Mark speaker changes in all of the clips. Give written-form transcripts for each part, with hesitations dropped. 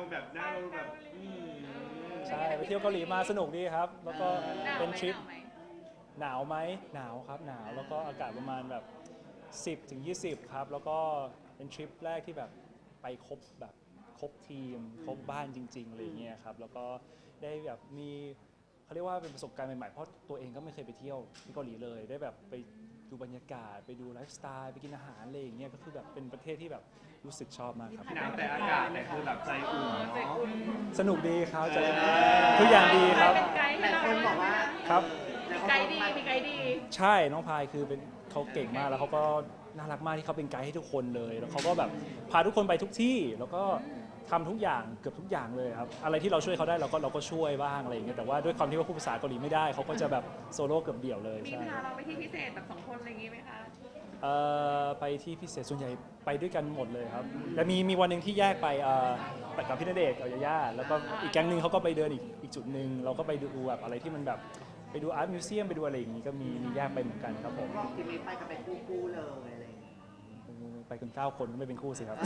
Speaker 1: แบบหน้าเราแบบ
Speaker 2: ใช่ไปเที่ยวเกาหลีมาสนุกดีครับแล้วก็เป็นทริปหนาวไหมหนาวครับหนาวแล้วก็อากาศประมาณแบบ10 ถึง 20ครับแล้วก็เป็นทริปแรกที่แบบไปครบทีมครบบ้านจริงๆอะไรเงี้ยครับแล้วก็ได้แบบมีเขาเรียกว่าเป็นประสบการณ์ใหม่ๆเพราะตัวเองก็ไม่เคยไปเที่ยวที่เกาหลีเลยได้แบบไปดูบรรยากาศไปดูไลฟ์สไตล์ไปกินอาหารอะไรอย่างเงี้ยก็คือแบบเป็นประเทศที่แบบรู้สึกชอบมากครับ
Speaker 1: หนาวแต่อากาศแต่คือแบบใจอุ่นเนาะ
Speaker 2: สนุกดีครับจะทุกอย่างดีครับ
Speaker 3: หลายคนบอกว่า
Speaker 2: ครับ
Speaker 3: ไกด์ดีมีไกด์ดี
Speaker 2: ใช่น้องพายคือเป็นเขาเก่งมากแล้วเขาก็น่ารักมากที่เขาเป็นไกด์ให้ทุกคนเลยแล้วเขาก็แบบพาทุกคนไปทุกที่แล้วก็ทำทุกอย่างเกือบทุกอย่างเลยครับอะไรที่เราช่วยเขาได้เราก็ช่วยบ้างอะไรอย่างเงี้ยแต่ว่าด้วยความที่ว่าพูดภาษาเกาหลีไม่ได้เขาก็จะแบบโซโล่เกือบเดี่ยวเลย
Speaker 3: มี
Speaker 2: ใช่
Speaker 3: พาเราไปที่พิเศษแบบ2 คนอะไรอย่างงี้ไหมคะ
Speaker 2: ไปที่พิเศษส่วนใหญ่ไปด้วยกันหมดเลยครับแต่มีวันหนึ่งที่แยกไปไปกับพี่ณเดชน์กับยาย่าแล้วก็อีกแก๊งหนึ่งเขาก็ไปเดินอีกจุดหนึ่งเราก็ไปดูแบบอะไรที่มันแบบไปดูอาร์ตมิวเซียมไปดูอะไรอย่างงี้ก็มีแยกไปเหมือนกันครับผม
Speaker 4: บอกทีนี้ไปกันเป็นคู่ๆเลยอะไรอย่างเงี้ย
Speaker 2: ไปกัน9 คนก็ไม่เป็นคู่สิครับ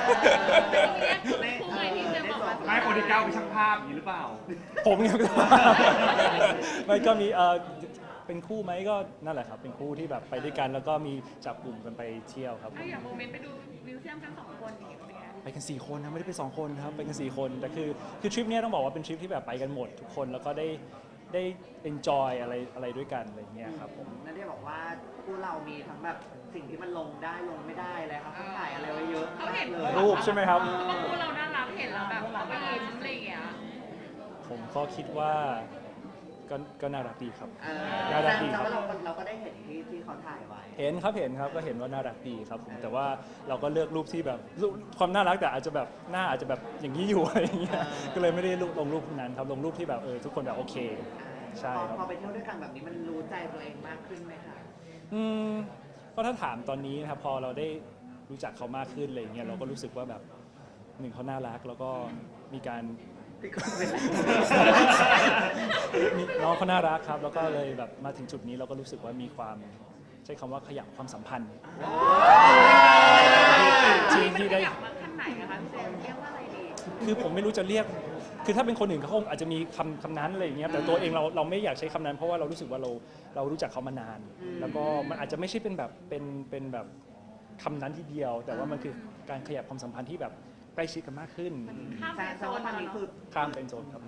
Speaker 3: คู่เลยที่จะบอกว่า
Speaker 1: ไม่คนที่เก้าเป็นช่างภาพอย่างนี้หรือเปล่า
Speaker 2: ผมเนี่ยไม่ก็มีเป็นคู่ไหมก็นั่นแหละครับเป็นคู่ที่แบบไปด้วยกันแล้วก็มีจับกลุ่มกันไปเที่ยวครับผม
Speaker 3: อย่างโมเมนต์ไปดูมิวเซียมกัน2 คนอย่างเงี้ยเป็นไง
Speaker 2: ไปกัน4 คนนะไม่ได้ไป2 คนครับไปกัน4 คนแต่คือทริปเนี้ยต้องบอกว่าเป็นทริปที่แบบไปกันหมดทุกคนแล้วก็ได้ enjoy อะไรด้วยกันอะไรอย่างเงี้ยครับผม
Speaker 4: นั่นได้บอกว่าคู่เรามีทั้งแบบสิ่งที่มันลงได้ลงไม่ได้เลยครับเขาถ่ายอะไรไว้เยอะ
Speaker 3: เขาเห็น
Speaker 4: เลย
Speaker 2: รูปใช่ไหมครับ
Speaker 3: เขาบอกคู่เราน่ารักเห็นแล้วแบบเขาก็ยิ้มอะไรอย่างเงี้ย
Speaker 2: ผมก็คิดว่าก็น่ารักดีครับ
Speaker 4: แส
Speaker 2: น่ารักดี
Speaker 4: ด
Speaker 2: ค
Speaker 4: ง
Speaker 2: รับ
Speaker 4: ว่าเราก็ได้เห็นที่เขาถ่ายไว้
Speaker 2: เห็นครับก็เห็นว่าน่ารักดีครับผมแต่ว่าเราก็เลือกรูปที่แบบรูปความน่ารักแต่อาจจะแบบหน้าอาจจะแบบอย่างนี้อยู่อะไรอย่างเงี้ยก็เลยไม่ได้ลงรูปพวกนั้นครับลงรูปที่แบบทุกคนแบบโอเคใช่ครับ
Speaker 4: พอไปเที่ยวด้วยกันแบบนี้มันรู้ใจตัวเองมากขึ้นไหมคะ
Speaker 2: ก็ถ้าถามตอนนี้นะครับพอเราได้รู้จักเขามากขึ้นอะไรอย่างเงี้ยเราก็รู้สึกว่าแบบหนึ่งเขาน่ารักแล้วก็มีการ
Speaker 4: พี่ก็เป็นไร
Speaker 2: น้องเขาน่ารักครับแล้วก็เลยแบบมาถึงจุดนี้เราก็รู้สึกว่ามีความใช้คำว่าขยับความสัมพันธ์ที่ได้
Speaker 3: อยากมาขั้นไหนนะคะพี่เจมส์เรียกว่าอะไรดี
Speaker 2: คือผมไม่รู้จะเรียกคือถ้าเป็นคนอื่นเขาคงอาจจะมีคำนั้นอะไรอย่างเงี้ยแต่ตัวเองเราไม่อยากใช้คำนั้นเพราะว่าเรารู้สึกว่าเรารู้จักเขามานาน แล้วก็มันอาจจะไม่ใช่เป็นแบบเป็นแบบคำนั้นทีเดียว แต่ว่ามันคือการขยับความสัมพันธ์ที่แบบใกล้ชิดกันมากขึ้น
Speaker 3: ข้าม
Speaker 4: แส
Speaker 3: เป็น
Speaker 4: ด
Speaker 3: โซ
Speaker 4: งว่าน ตอน
Speaker 3: มา
Speaker 4: นี้
Speaker 3: เนาะ
Speaker 4: คือ
Speaker 2: ข้ามเป็นโซนครับ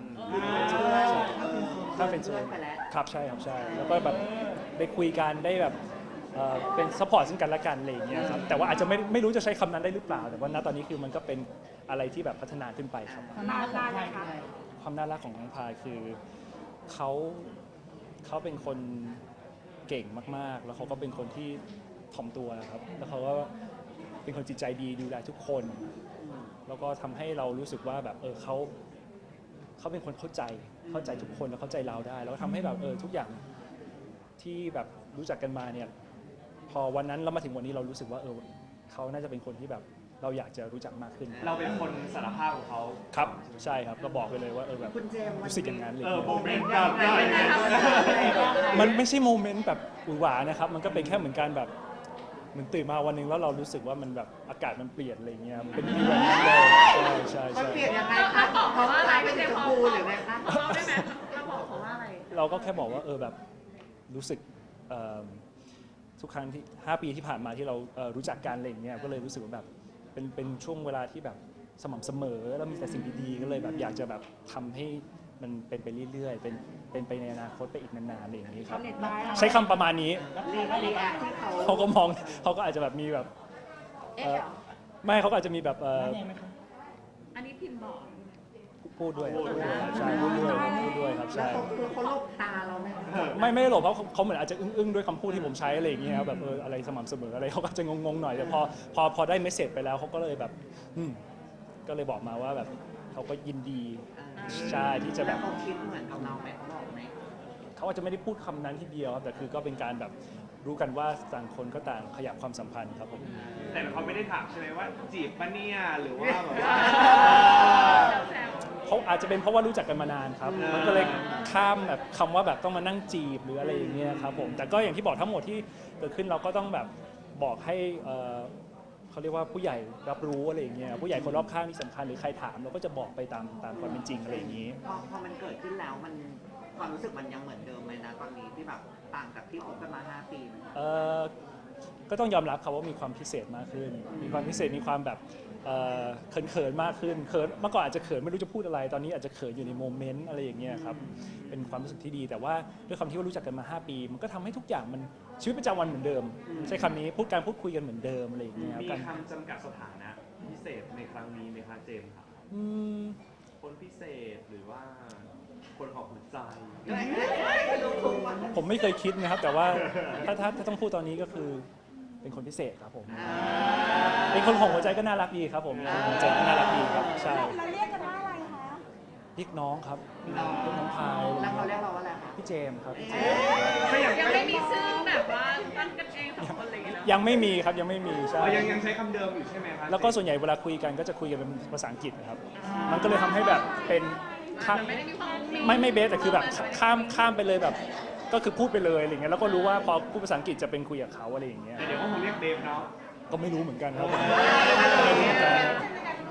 Speaker 4: ถ้า
Speaker 2: ข้ามเป็นโซน
Speaker 4: ไปแล้ว
Speaker 2: ครับใช่ครับใช่แล้วก็แบบได้คุยกันได้แบบเป็นซัพพอร์ตซึ่งกันและกันอะไรอย่างเงี้ยครับแต่ว่าอาจจะไม่รู้จะใช้คำนั้นได้หรือเปล่า แต่ว่าณตอนนี้คือมันก็เป็นอะไรที่แบบพัฒนาขึ้นไปครับ
Speaker 3: นานเลยค่ะ
Speaker 2: ความน่ารักของน้องพายคือเขาเป็นคนเก่งมากๆ แล้วเขาก็เป็นคนที่ถ่อมตัวนะครับแล้วเขาก็เป็นคนจิตใจดีดูแลทุกคน แล้วก็ทำให้เรารู้สึกว่าแบบเขาเป็นคนเข้าใจทุกคนแล้วเข้าใจเราได้ แล้วก็ทำให้แบบทุกอย่างที่แบบรู้จักกันมาเนี่ยพอวันนั้นเรามาถึงวันนี้เรารู้สึกว่าเขาน่าจะเป็นคนที่แบบเราอยากจะรู้จักมากขึ้น
Speaker 1: เราเป็นคนสารภาพของเขา
Speaker 2: ครับใช่ครับก็บอกไปเลยว่าแบบ
Speaker 4: คุณเจมส์วัน
Speaker 2: รู้สึกอย่างนั้นเลย
Speaker 1: โมเมนต์แบบได้
Speaker 2: มันไม่ใช่โมเมนต์แบบหวือหวานะครับมันก็เป็นแค่เหมือนการแบบเหมือนตื่นมาวันหนึงแล้วเรารู้สึกว่ามันแบบอากาศมันเปลี่ยนอะไรเงี้ยเป็นฟีลแบบนั้นเลยใช่
Speaker 4: มันเปลี่ยนยังไง
Speaker 3: เรา
Speaker 4: คะ
Speaker 3: บอกเขาว่าอะไร
Speaker 4: เป็
Speaker 3: พี่
Speaker 4: น
Speaker 3: เจ
Speaker 4: สี
Speaker 3: ม
Speaker 4: ช
Speaker 3: ส์
Speaker 4: มพูหรือไงคะ
Speaker 3: เราได้ไหมเราบอกเขาว่าอะไร
Speaker 2: เราก็แค่บอกว่าแบบรู้สึกทุกครั้งที่5 ปีที่ผ่านมาที่เรารู้จักกันอะไรอย่างเงี้ยก็เลยรู้สึกว่าแบบเป็นช่วงเวลาที่แบบสม่ำเสมอแล้วมีแต่สิ่งดีๆก็เลยแบบอยากจะแบบทำให้มันเป็นไปเรื่อยๆเป็นไปในอนาคตไปอีกนานๆอะไรอย่างนี้ครับใช้คำประมาณนี้
Speaker 4: รีแอคที่เขา
Speaker 2: เขาก็มองเขาก็อาจจะแบบมีแบบไม่เขาก็อาจจะมีแบบ
Speaker 3: อันนี้พิมพ์บอก
Speaker 2: พูดด้วยใช่พูดด้วยครับ
Speaker 4: แล้ว
Speaker 2: ใช่
Speaker 4: เขาลบตาเราไหม
Speaker 2: ไม่ได้หลบเพราะเขาเหมือนอาจจะอึ้งๆด้วยคำพูดที่ผมใช้อะไรอย่างเงี้ยครับแบบอะไรสม่ำเสมออะไรเขาก็จะงงๆหน่อยแต่พอได้เมสเซจไปแล้วเขาก็เลยแบบก็เลยบอกมาว่าแบบเขาก็ยินดีใช่ที่จะแบ
Speaker 4: แล้ว
Speaker 2: บ
Speaker 4: เขาคิดเหมือนกับเราไหมเขาบอกไหม
Speaker 2: เขาอาจจะไม่ได้พูดคำนั้นทีเดียวครับแต่คือก็เป็นการแบบรู้กันว่าต่างคนก็ต่างขยับความสัมพันธ์ครับผม
Speaker 1: แต่เขาไม่ได้ถามใช่ไหมว่าจีบปะเนี่ยหรือว่าแบบว่า
Speaker 3: แซว
Speaker 2: เขาอาจจะเป็นเพราะว่ารู้จักกันมานานครับมันก็เลยข้ามแบบคำว่าแบบต้องมานั่งจีบหรืออะไรอย่างเงี้ยครับผมแต่ก็อย่างที่บอกทั้งหมดที่เกิดขึ้นเราก็ต้องแบบบอกให้เขาเรียกว่าผู้ใหญ่รับรู้อะไรอย่างเงี้ยผู้ใหญ่คนรอบข้างที่สำคัญหรือใครถามเราก็จะบอกไปตามความเป็นจริงอะไรอย่างงี้
Speaker 4: พอมันเกิดขึ้นแล้วมันความรู้สึกมันยังเหมือนเดิมไหมนะตอนนี้ที่แบบต่างจากที่คบกันมา 5 ปีไหม
Speaker 2: ก็ต้องยอมรับครับว่ามีความพิเศษมากขึ้น มีความพิเศษมีความแบบเขินๆมากขึ้นเขินเมื่อก่อนอาจจะเขินไม่รู้จะพูดอะไรตอนนี้อาจจะเขินอยู่ในโมเมนต์อะไรอย่างเงี้ยครับเป็นความรู้สึกที่ดีแต่ว่าด้วยความที่ว่ารู้จักกันมา 5 ปี มันก็ทำให้ทุกอย่างมันชีวิตประจำวันเหมือนเดิม ใช้คำนี้การพูดคุยกันเหมือนเดิมอะไรอย่างเงี้ย
Speaker 1: มี
Speaker 2: กัน
Speaker 1: คำจำกัดสถานะพิเศษในครั้งนี้ไหมคะเจมส์ครับ
Speaker 2: อืม
Speaker 1: คนพิเศษหรือว่าคนของหัวใจ
Speaker 2: ผมไม่เคยคิดนะครับ แต่ว่าถ้าต้องพูดตอนนี้ก็คือเป็นคนพิเศษครับผมเป็นคนของหัวใจก็น่ารักดีครับผมหัวใจก็น่ารักดีครับใช่
Speaker 5: เราเรียกกันว่าอะไรคะ
Speaker 2: เรียกน้องครับเรียกน้องพาย
Speaker 4: แล้วเขาเรียกเราว่าอะไรคะ
Speaker 2: พี่เจมส์ครับพี่เจม
Speaker 1: ถ้าอย่าง
Speaker 3: ยังไม่มีชื่อแบบว่าตั้งกันเองสองคนอะไรอย่างเงี้ยเนอะ
Speaker 2: ยังไม่มีครับยังไม่มีใช่
Speaker 1: ยังใช้คำเดิมอยู่ใช่ไหมครับ
Speaker 2: แล้วก็ส่วนใหญ่เวลาคุยกันก็จะคุยกันเป็นภาษาอังกฤษนะครับ มันก็เลยทำให้แบบเป็นข้าม
Speaker 3: มันไม่ได้มีความมี
Speaker 2: ไม่เบสแต่คือแบบข้ามไปเลยแบบก็คือพูดไปเลยอะไรเงี้ยแล้วก็รู้ว่าพอพูดภาษาอังกฤษจะเป็นคุยกับเขาอะไรอย่างเงี้ย
Speaker 1: แต่เดี๋ยวก็คงเรียกเดฟเนาะ
Speaker 2: ก็ไม่รู้เหมือนกันครับผมไม่รู้เหมือนกันครับ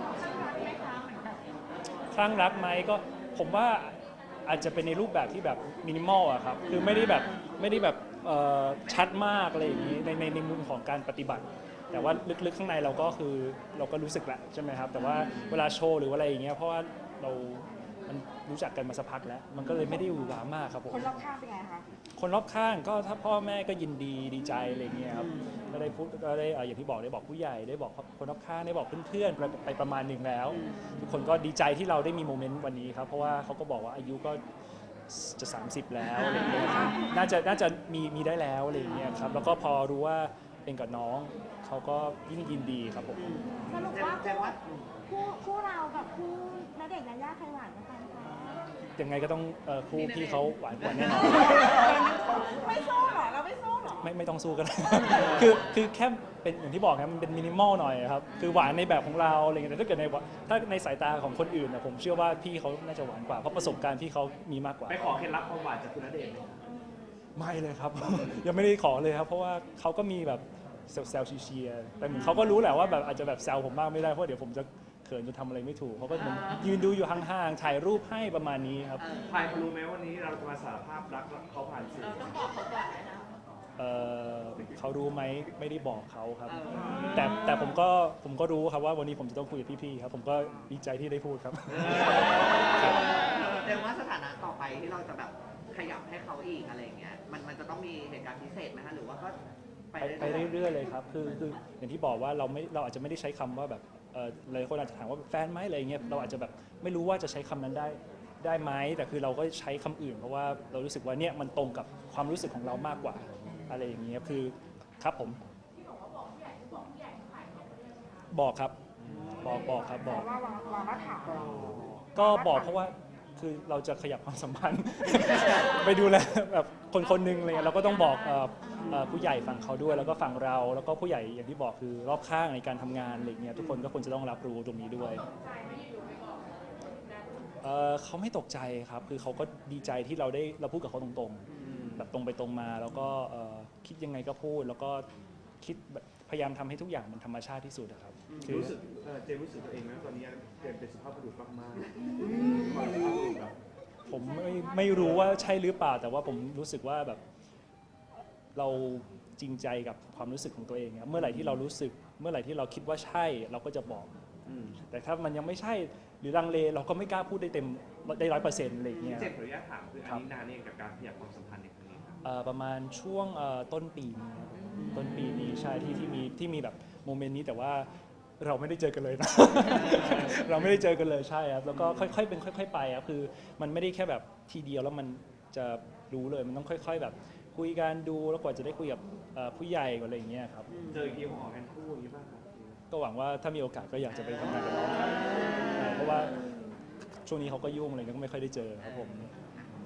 Speaker 2: คลั่งรักไหมก็ผมว่าอาจจะเป็นในรูปแบบที่แบบมินิมอลอะครับคือไม่ได้แบบชัดมากอะไรอย่างนี้ในมุมของการปฏิบัติ แต่ว่าลึกๆข้างในเราก็คือเราก็รู้สึกแหละใช่ไหมครับแต่ว่าเวลาโชว์หรืออะไรอย่างเงี้ยเพราะว่ามันรู้จักกันมาสักพักแล้ว มันก็เลยไม่ได้หวือหวามากครับผม
Speaker 5: คนรอบข้างเป็นไงคะ
Speaker 2: คนรอบข้างก็ถ้าพ่อแม่ก็ยินดีดีใจอะไรเงี้ยครับก็ได้พูดก็ได้อย่างที่บอกได้บอกผู้ใหญ่ได้บอกคนรอบข้างได้บอกเพื่อนๆไปประมาณหนึ่งแล้ว ทุกคนก็ดีใจที่เราได้มีโมเมนต์วันนี้ครับเพราะว่าเขาก็บอกว่าอายุก็จะ 30 แล้วอะไรเงี้ยครับน่าจะมีได้แล้วอะไรเงี้ยครับแล้วก็พอรู้ว่าเป็นกับน้องเขาก็ยิ่งยินดีครับผม
Speaker 5: สรุป
Speaker 4: แจ้งว่า
Speaker 5: คู่เรากับคู่ณเดชน์ยายาใครหวานกว่ากันคะ
Speaker 2: ยังไงก็ต้องคู่พี่เขาหวานกว่าแน่นอน
Speaker 5: ไม่สู้เหรอ เราไม่สู้เหรอ
Speaker 2: ไม่ต้องสู้กัน คือแค่เป็นอย่างที่บอกครับมันเป็นมินิมอลหน่อยครับคือหวานในแบบของเราอะไรเงี้ยแต่ถ้าเกิดถ้าในสายตาของคนอื่นนะผมเชื่อว่าพี่เขาน่าจะหวานกว่าเพราะประสบการณ์พี่เขามีมากกว่า
Speaker 1: ไปขอเคล็ดลับความหวานจากคุณณเดชน์ไหมครับ
Speaker 2: ไม่เลยครับ ยังไม่ได้ขอเลยครับ เพราะว่าเขาก็มีแบบแซวๆเชียร์ๆแต่เหมือนเขาก็รู้แหละว่าแบบอาจจะแบบแซวผมบ้างไม่ได้เพราะเดี๋ยวผมจะเขินจนทำอะไรไม่ถูกเขาก็เหมือนยืนดูอยู่ห่างๆถ่ายรูปให้ประมาณนี้ครับ
Speaker 1: พายเขารู้ไหมวันนี้เราจะมาสารภาพรักเขาผ่านสื่อ
Speaker 3: เราต้องบอกเขาก่อนเลยนะ
Speaker 2: เขารู้ไหมไม่ได้บอกเขาครับ แต่ผมก็รู้ครับว่าวันนี้ผมจะต้องคุยกับพี่ๆครับผมก็ดีใจที่ได้พูดครับ
Speaker 4: แสดงว่าสถานะต่อไปที่เราจะแบบขยับให้เขาอีกอะไรอย่างเงี้ยมันจะต้องมีเหตุการณ์พิเศษไหมคะหรือว่าก็
Speaker 2: ไปเรื่อยๆเลยครับคืออย่างที่บอกว่าเราอาจจะไม่ได้ใช้คำว่าแบบหลายคนอาจจะถามว่าแฟนไหมอะไรเงี้ยเราอาจจะแบบไม่รู้ว่าจะใช้คำนั้นได้ไหมแต่คือเราก็ใช้คำอื่นเพราะว่าเรารู้สึกว่าเนี่ยมันตรงกับความรู้สึกของเรามากกว่าอะไรอย่างเงี้ยคือครับผมบอกครับบอกครับบอก
Speaker 5: ว่าเราก็ถามเรา
Speaker 2: ก็บอกเพราะว่าคือเราจะขยับความสัมพันธ์ ไปดูแลแบบคนหนึงอะไรเงี้ยเราก็ต้องบอกผู้ใหญ่ฝั่งเขาด้วยแล้วก็ฝั่งเราแล้วก็ผู้ใหญ่อย่างที่บอกคือรอบข้างในการทำงานอะไรเงี้ยทุกคนก็ควรจะต้องรับรู้ตรงนี้ด้วยเขาไม่ตกใจครับคือเขาก็ดีใจที่เราพูดกับเขาตรงๆแบบตรงไปตรงมาแล้วก็คิดยังไงก็พูดแล้วก็คิดแบบพยายามทำให้ทุกอย่างมันธรรมชาติที่สุดอะครับคือ
Speaker 1: รู้สึกเจมส์รู้สึกตัวเองไหมว่าตอนนี้เจมส์เป็นสุภาพบุรุษมากๆสุภาพบุรุษแบบ
Speaker 2: ผมไม่รู้ว่าใช่หรือเปล่าแต่ว่าผมรู้สึกว่าแบบเราจริงใจกับความรู้สึกของตัวเองครับเมื่อไหร่ที่เรารู้สึกเมื่อไหร่ที่เราคิดว่าใช่เราก็จะบอก แต่ถ้ามันยังไม่ใช่หรือลังเลเราก็ไม่กล้าพูดได้เต็มได้100%อะไรอย่างเงี้ย
Speaker 1: เจมส์ขออนุญาตถามคืออันนี้นานเองกับการขยับความสัมพันธ์ในครั้งนี้ครับ
Speaker 2: ประมาณช่วงต้นปีนี้ครับต้นปีนี้ใช่ที่มีแบบโมเมนต์นี้แต่ว่าเราไม่ได้เจอกันเลยนะ เราไม่ได้เจอกันเลยใช่ครับแล้วก็ค่อยๆเป็นค่อยๆไปครับคือมันไม่ได้แค่แบบทีเดียวแล้วมันจะรู้เลยมันต้องค่อยๆแบบคุยกันดูแล้วกว่าจะได้คุยกับผู้ใหญ่กว่าอะไรอย่างเงี้ยครับ
Speaker 1: เจออีกทีคงออกกันคู่อย่างนี้ป่ะครับ
Speaker 2: ก็หวังว่าถ้ามีโอกาสก็อยากจะไปทำงานกับน้องครับเพราะว่าช่วงนี้เขาก็ยุ่งอะไรก็ไม่ค่อยได้เจอครับผม